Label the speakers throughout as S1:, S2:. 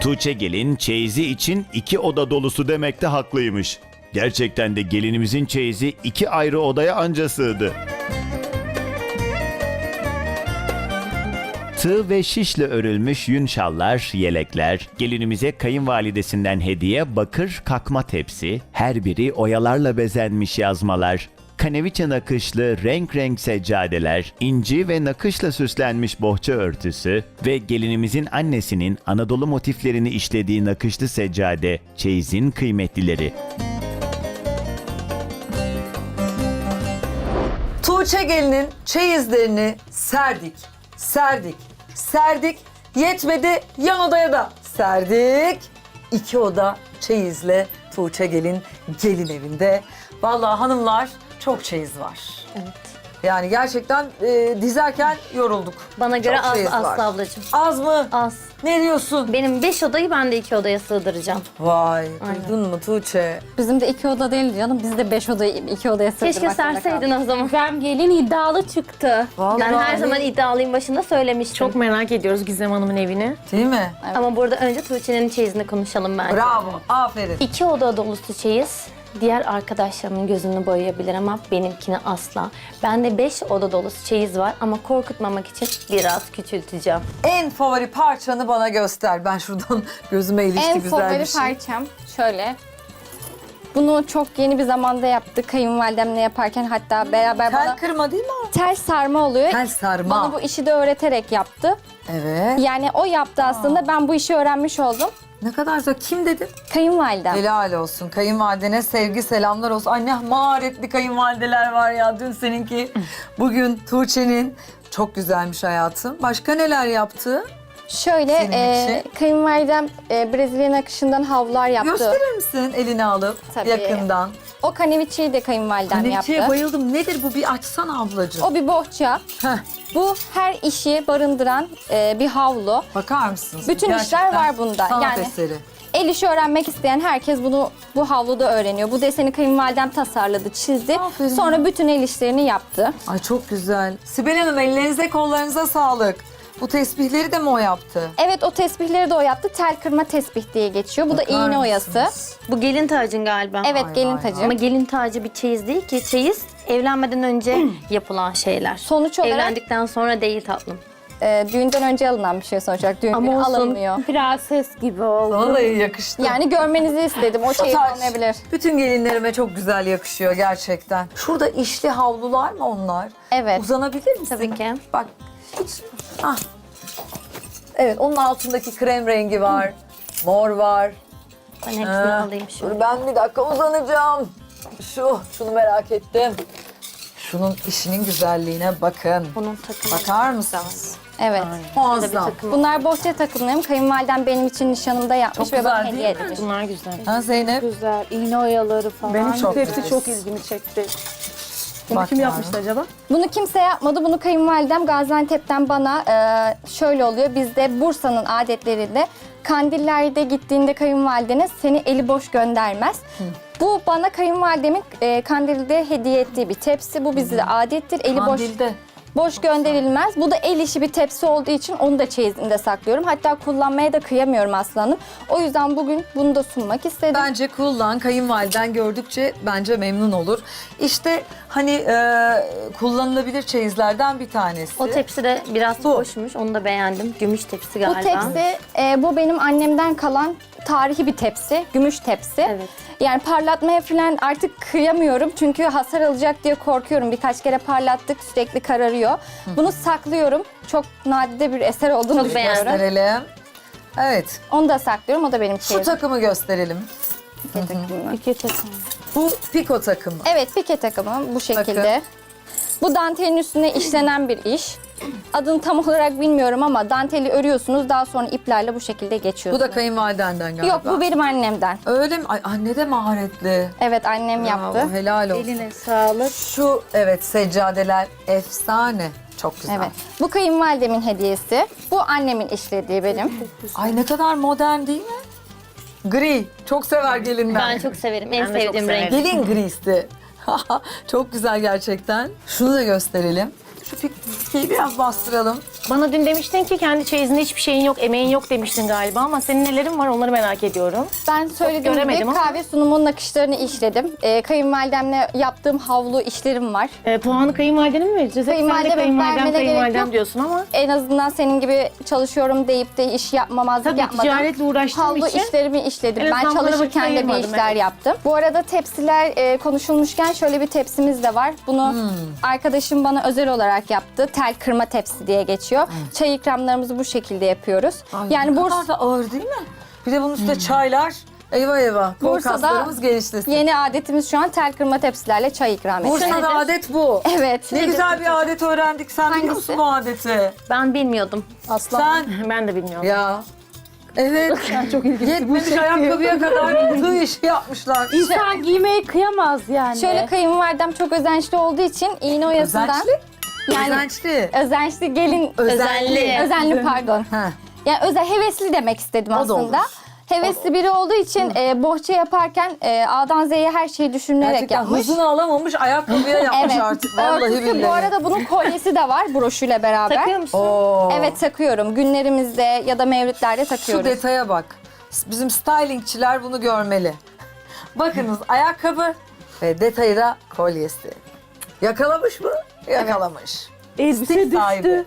S1: Tuğçe gelin çeyizi için 2 oda dolusu demekte haklıymış. Gerçekten de gelinimizin çeyizi 2 ayrı odaya anca sığdı. Tığ ve şişle örülmüş yün şallar, yelekler, gelinimize kayınvalidesinden hediye bakır kakma tepsi, her biri oyalarla bezenmiş yazmalar, kaneviçe nakışlı renk renk seccadeler, inci ve nakışla süslenmiş bohça örtüsü ve gelinimizin annesinin Anadolu motiflerini işlediği nakışlı seccade, çeyizin kıymetlileri.
S2: Tuğçe gelinin çeyizlerini serdik. Yetmedi, yan odaya da serdik. 2 oda çeyizle Tuğçe gelin evinde. Vallahi hanımlar çok çeyiz var.
S3: Evet.
S2: Yani gerçekten dizerken yorulduk.
S3: Bana göre
S2: Çok
S3: az
S2: çeyiz var.
S3: Aslı ablacığım.
S2: Az mı?
S3: Az.
S2: Ne diyorsun?
S3: Benim 5 odayı ben de 2 odaya sığdıracağım.
S2: Vay,
S3: Aynen.
S2: duydun mu Tuğçe?
S4: Bizim de 2 oda değil canım. Biz de 5 odayı 2 odaya sığdırmak
S3: Keşke
S4: zorunda
S3: serseydin
S4: kaldık.
S3: o zaman.
S5: Ben gelin iddialı çıktı.
S2: Vallahi
S3: Ben her zaman iddialıyım, başında söylemiştim.
S5: Çok merak ediyoruz Gizem Hanım'ın evini.
S2: Değil mi?
S3: Ama burada önce Tuğçe'nin çeyizini konuşalım bence.
S2: Bravo, aferin.
S3: 2 oda dolusu çeyiz. Diğer arkadaşlarımın gözünü boyayabilir ama benimkini asla. Bende 5 oda dolusu çeyiz var ama korkutmamak için biraz küçülteceğim.
S2: En favori parçanı bana göster. Ben şuradan gözüme ilişti
S4: En
S2: güzel
S4: favori
S2: bir şey.
S4: parçam şöyle. Bunu çok yeni bir zamanda yaptık. Kayınvalidemle yaparken hatta beraber
S2: Tel
S4: bana
S2: kırma değil mi o?
S4: tel sarma oluyor.
S2: Tel sarma.
S4: Bana bu işi de öğreterek yaptı.
S2: Evet.
S4: Yani o yaptı aslında. Ben bu işi öğrenmiş oldum.
S2: Ne kadar güzel. Kim dedin?
S4: Kayınvalidem.
S2: Helal olsun. Kayınvalidene sevgi selamlar olsun. Ay ne maharetli kayınvalideler var ya. Dün seninki, bugün Tuğçe'nin. Çok güzelmiş hayatım. Başka neler yaptı?
S4: Şöyle
S2: Senin için.
S4: kayınvalidem Brezilya nakışından havlular yaptı.
S2: Gösterir misin elini alıp
S4: Tabii.
S2: yakından?
S4: O kaneviçeyi de kayınvalidem
S2: Kaneviçeye
S4: yaptı.
S2: bayıldım. Nedir bu? Bir açsana ablacığım.
S4: O bir bohça.
S2: Heh,
S4: Bu her işi barındıran bir havlu.
S2: bakar mısınız?
S4: Bütün işler
S2: Gerçekten
S4: var bunda.
S2: Sanat
S4: Yani-
S2: eseri.
S4: El işi öğrenmek isteyen herkes bu havluda öğreniyor. Bu deseni kayınvalidem tasarladı, çizdi.
S2: Aferin.
S4: Sonra bütün el işlerini yaptı.
S2: Ay çok güzel. Sibel Hanım ellerinize kollarınıza sağlık. Bu tesbihleri de mi o yaptı?
S4: Evet, o tesbihleri de o yaptı. Tel kırma tesbih diye geçiyor. Bu da
S2: Bakar
S4: iğne oyası.
S2: mısınız?
S3: Bu gelin tacın galiba.
S4: Evet,
S2: Vay,
S4: gelin
S2: vay,
S4: tacı.
S2: vay.
S3: Ama gelin tacı bir çeyiz değil ki. Çeyiz evlenmeden önce yapılan şeyler.
S4: Sonuç olarak
S3: Evlendikten sonra değil tatlım.
S4: düğünden önce alınan bir şey sonuç olarak. Düğün günü
S5: Ama olsun
S4: alınmıyor.
S5: prenses gibi oldu.
S2: Sana da yakıştı.
S4: Yani görmenizi istedim. O çeyiz
S2: taç
S4: olmayabilir.
S2: bütün gelinlerime çok güzel yakışıyor gerçekten. Şurada işli havlular mı onlar?
S4: Evet.
S2: Uzanabilir misin?
S3: Tabii ki.
S2: Bak hiç... Ah. Evet onun altındaki krem rengi var. Mor var.
S3: Ben hepsini
S2: Ha,
S3: alayım
S2: Dur
S3: şöyle.
S2: ben bir dakika uzanacağım. Şunu merak ettim. Şunun işinin güzelliğine bakın.
S3: Bunun takımı.
S2: Bakar mısınız?
S4: Evet.
S2: Muazzam.
S4: Bunlar bohça takımlarım. Kayınvalidem benim için nişanımda yapmış
S2: Çok
S4: ve bana
S2: güzel
S4: hediye
S2: değil mi?
S4: etmiş.
S5: Bunlar güzel.
S2: Ha Zeynep?
S5: Güzel. İğne oyaları falan.
S2: Benim çok
S5: Hepsi
S2: güzel.
S5: çok ilgimi çekti. Bunu
S2: Bak
S5: kim
S2: yani.
S5: yapmıştı acaba?
S4: Bunu kimse yapmadı. Bunu kayınvalidem Gaziantep'ten bana şöyle oluyor. Bizde Bursa'nın adetlerinde kandillerde gittiğinde kayınvalideniz seni eli boş göndermez. Bu bana kayınvalidemin kandilde hediye ettiği bir tepsi. Bu bizde adettir. Eli
S2: Kandilde.
S4: boş gönderilmez. Bu da el işi bir tepsi olduğu için onu da çeyizinde saklıyorum. Hatta kullanmaya da kıyamıyorum aslanım. O yüzden bugün bunu da sunmak istedim.
S2: Bence kullan, kayınvaliden gördükçe bence memnun olur. İşte hani kullanılabilir çeyizlerden bir tanesi.
S3: O tepsi de biraz hoşmuş. Onu da beğendim. Gümüş tepsi galiba.
S4: Bu tepsi, bu benim annemden kalan tarihi bir tepsi, gümüş tepsi.
S3: Evet.
S4: Yani parlatmaya falan artık kıyamıyorum çünkü hasar alacak diye korkuyorum. Birkaç kere parlattık, sürekli kararıyor. Bunu saklıyorum. Çok nadide bir eser olduğunu
S3: Çok
S4: düşünüyorum.
S2: Gösterelim. Evet,
S4: Onu da saklıyorum, o da benim
S2: şu
S4: çeyizim.
S2: takımı gösterelim.
S5: İki takım.
S2: Bu piko takımı.
S4: Evet, pike takımı bu şekilde.
S2: Bakın.
S4: Bu dantelin üstüne işlenen bir iş. Adını tam olarak bilmiyorum ama danteli örüyorsunuz, daha sonra iplerle bu şekilde
S2: Bu
S4: geçiyorsunuz.
S2: da kayınvalidenden galiba.
S4: Yok, bu benim annemden.
S2: Öyle mi? Ay anne de maharetli.
S4: Evet, annem yaptı.
S2: Bravo, helal olsun.
S5: Eline sağlık.
S2: Şu evet seccadeler efsane. Çok güzel.
S4: Evet. Bu kayınvalidemin hediyesi. Bu annemin işlediği benim.
S2: Ay ne kadar modern değil mi? Gri. Çok sever gelinler.
S3: Ben çok severim. En
S5: Ben de çok
S3: sevdiğim renk.
S5: severim.
S2: Gelin grisi. Çok güzel gerçekten. Şunu da gösterelim. Şu pikeyi biraz bastıralım.
S6: Bana dün demiştin ki kendi çeyizinde hiçbir şeyin yok, emeğin yok demiştin galiba ama senin nelerin var onları merak ediyorum.
S4: Ben söylediğim gibi
S6: göremedim ama.
S4: kahve sunumunun nakışlarını işledim. Kayınvalidemle yaptığım havlu işlerim var.
S6: Puanı kayınvalidene mi vereceğiz? Hep sen de
S4: Kayınvalideme
S6: kayınvalidem,
S4: vermene gerek
S6: kayınvalidem
S4: yok.
S6: diyorsun ama.
S4: En azından senin gibi çalışıyorum deyip de iş yapmamazlık
S6: Tabii
S4: yapmadan
S6: ticaretle uğraştığım
S4: havlu
S6: için
S4: işlerimi işledim.
S6: en
S4: Ben
S6: azından bana vakit
S4: çalışırken de bir
S6: ayırmadım,
S4: işler
S6: evet.
S4: yaptım. Bu arada tepsiler konuşulmuşken şöyle bir tepsimiz de var. Bunu arkadaşım bana özel olarak yaptı. Tel kırma tepsi diye geçiyor. Çay ikramlarımızı bu şekilde yapıyoruz.
S2: Ay,
S4: Yani
S2: ne kadar da ağır değil mi? Bir de bunun üstüne çaylar. Eyvah eyvah. Kol
S4: Bursa'da
S2: kaslarımız genişlesin.
S4: yeni adetimiz şu an tel kırma tepsilerle çay ikram etmek.
S2: Bursa'da adet bu.
S4: Evet.
S2: Ne güzel bir adet öğrendik. Sen biliyor
S4: Hangisi?
S2: musun bu adeti?
S3: Ben bilmiyordum.
S5: Aslan.
S2: Sen
S6: Ben de bilmiyorum.
S2: ya. Evet.
S5: Çok ilginç.
S2: Yetmemiş ayakkabıya kadar tığ işi yapmışlar.
S5: İnsan giymeye kıyamaz yani.
S4: Şöyle kayınvalidem çok özençli olduğu için iğne oyasından.
S2: Özençli?
S4: Yani
S2: Özençli.
S4: özençli gelin.
S2: Özenli.
S4: Özenli pardon.
S2: Ha.
S4: Yani hevesli demek istedim
S2: O da
S4: aslında.
S2: olur.
S4: Hevesli biri olduğu için bohça yaparken A'dan Z'ye her şeyi düşünülerek
S2: Gerçekten
S4: yapmış.
S2: hızını alamamış ayakkabıya yapmış
S4: Evet.
S2: artık. Vallahi
S4: Örtüsü,
S2: billahi.
S4: bu arada bunun kolyesi de var broşuyla beraber.
S3: Takıyor musun?
S2: Oo.
S4: Evet takıyorum. Günlerimizde ya da mevlütlerde
S2: Şu
S4: takıyoruz.
S2: detaya bak. Bizim stylingçiler bunu görmeli. Bakınız ayakkabı ve detayı da kolyesi. Yakalamış mı? Yakalamış.
S5: Elbise
S2: Sahibi.
S5: düştü.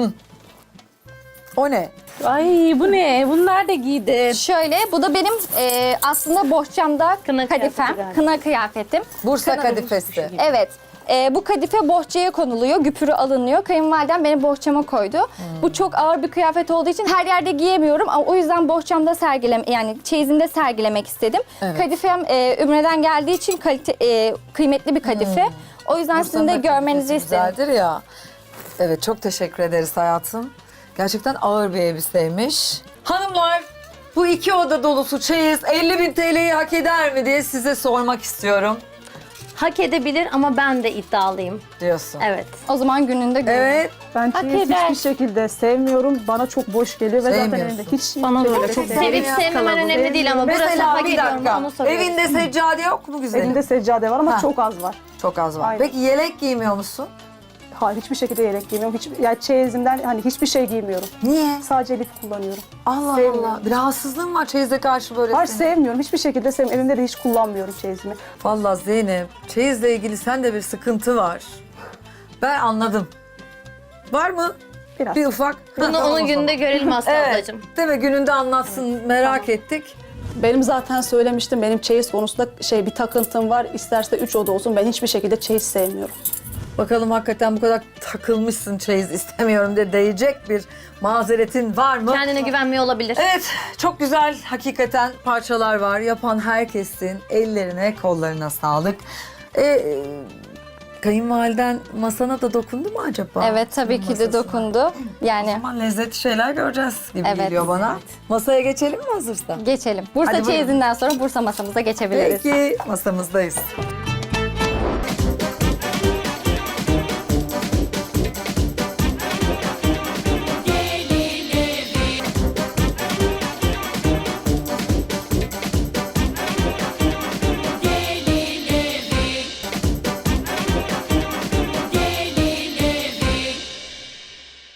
S2: O ne?
S5: Ay bu ne? Bunlar da giydi.
S4: Şöyle bu da benim aslında bohçamda
S3: Kına
S4: kadifem,
S3: kıyafeti galiba.
S4: kına kıyafetim.
S2: Bursa kadifesi.
S4: Evet. Bu kadife bohçaya konuluyor, güpürü alınıyor. Kayınvalidem beni bohçama koydu. Bu çok ağır bir kıyafet olduğu için her yerde giyemiyorum. Ama o yüzden bohçamda yani çeyizimde sergilemek istedim.
S2: Evet.
S4: Kadifem Ümre'den geldiği için kıymetli bir kadife. O yüzden sizin de
S2: Bursa'nın
S4: görmenizi
S2: kadifesi
S4: istedim.
S2: Güzeldir ya. Evet çok teşekkür ederiz hayatım. Gerçekten ağır bir elbiseymiş. Hanımlar bu 2 oda dolusu çeyiz 50.000 TL'yi hak eder mi diye size sormak istiyorum
S3: Hak edebilir ama ben de iddialıyım.
S2: diyorsun.
S3: Evet.
S4: O zaman gününde görün.
S2: Evet.
S5: Ben çeyiz
S3: eder.
S5: hiçbir şekilde sevmiyorum. Bana çok boş geliyor ve zaten
S2: Sevmiyorsun.
S5: evimde hiç
S6: Bana da öyle
S5: çok
S6: çok
S3: Sevip sevmemen önemli değil ama burası
S2: Mesela
S3: hak
S2: bir
S3: ediyorum
S2: dakika.
S3: onu soruyorum.
S2: Evinde seccade yok mu güzelim?
S5: Evimde seccade var ama
S2: Ha.
S5: çok az var.
S2: Çok az var.
S5: Aynen.
S2: Peki yelek giymiyor musun?
S5: Hayır hiçbir şekilde yelek giymiyorum. Yani çeyizimden hani hiçbir şey giymiyorum.
S2: Niye?
S5: Sadece lif kullanıyorum.
S2: Allah
S5: Sevmiyorum.
S2: Allah. Bir rahatsızlığın var çeyize karşı böyle
S5: Hayır
S2: senin.
S5: sevmiyorum. Hiçbir şekilde sevmiyorum. Evimde de hiç kullanmıyorum çeyizimi.
S2: Vallahi Zeynep, çeyizle ilgili sende bir sıkıntı var. Ben anladım. Var mı?
S5: Biraz.
S2: Bir ufak.
S3: Bunu
S2: Tamam o
S3: onun
S2: zaman.
S3: gününde görelim Aslı
S2: Evet.
S3: ablacığım.
S2: Değil mi? Gününde anlatsın. Merak ettik.
S5: Benim zaten söylemiştim. Benim çeyiz konusunda bir takıntım var. İsterse 3 oda olsun. Ben hiçbir şekilde çeyiz sevmiyorum.
S2: Bakalım hakikaten bu kadar takılmışsın çeyiz istemiyorum diye diyecek bir mazeretin var mı?
S3: Kendine güvenmiyor olabilir.
S2: Evet, çok güzel hakikaten parçalar var. Yapan herkesin ellerine, kollarına sağlık. Kayınvaliden masana da dokundu mu acaba?
S4: Evet tabii ki de
S2: Masasına.
S4: dokundu. Yani
S2: Ama lezzetli şeyler göreceğiz gibi
S4: Evet.
S2: geliyor bana. Masaya geçelim mi hazırsa?
S4: geçelim. Bursa
S2: Hadi buyurun.
S4: çeyizinden sonra Bursa masamıza geçebiliriz.
S2: Peki, masamızdayız.